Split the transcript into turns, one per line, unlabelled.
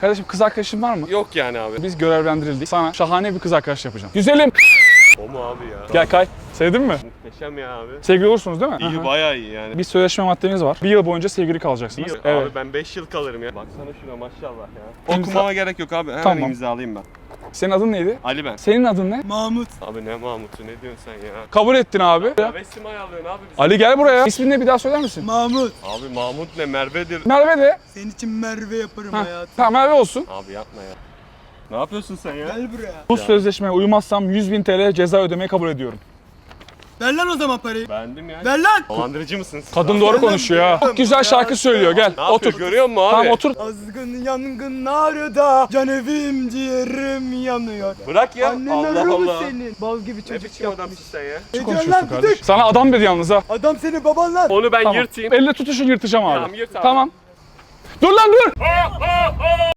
Kardeşim kız arkadaşın var mı?
Yok yani abi.
Biz görevlendirildik. Sana şahane bir kız arkadaş yapacağım. Güzelim.
O mu abi ya?
Gel kay. Sevdin mi?
Muhteşem ya abi.
Sevgili olursunuz değil mi?
İyi,
Aha.
bayağı iyi yani.
Bir sözleşme maddemiz var. Bir yıl boyunca sevgili kalacaksınız. Evet.
Abi ben 5 yıl kalırım ya. Baksana şuna maşallah ya.
İmza-
Okumama gerek yok abi. Hemen
Tamam.
imzalayayım ben.
Senin adın neydi?
Ali ben.
Senin adın ne?
Mahmut.
Abi ne Mahmut'u ne diyorsun sen ya?
Kabul ettin abi.
Travesti mi ayarlıyorsun abi bizi?
Ali gel buraya. İsmini ne bir daha söyler misin?
Mahmut.
Abi Mahmut ne Merve'dir.
Merve de.
Senin için Merve yaparım
Ha.
hayatım.
Tamam Merve olsun.
Abi yapma ya. Ne yapıyorsun sen ya?
Gel buraya.
Bu sözleşmeye uymazsam 100.000 TL ceza ödemeyi kabul ediyorum.
Ver lan o zaman parayı.
Beğendim ya.
Ver lan.
Dolandırıcı mısın?
Kadın doğru konuşuyor ya. Çok güzel şarkı söylüyor. Gel.
Ne yapıyor
Otur.
görüyor musun abi?
Tamam otur.
Azgın yangınlarda can evim ciğerim yanıyor.
Bırak ya.
Annen
Allah
arı mı
Allah.
senin? Bal gibi
Ne
çocuk
biçim
yapmış.
adamsın sen ya?
Ne
Ne
diyorsun
konuşuyorsun
lan
kardeşim?
düdük?
Sana adam dedi yalnız ha.
Adam senin baban lan.
Onu ben
Tamam.
yırtayım.
Elle tutuşun yırtacağım abi.
Tamam, yırt abi.
Tamam. Dur lan dur.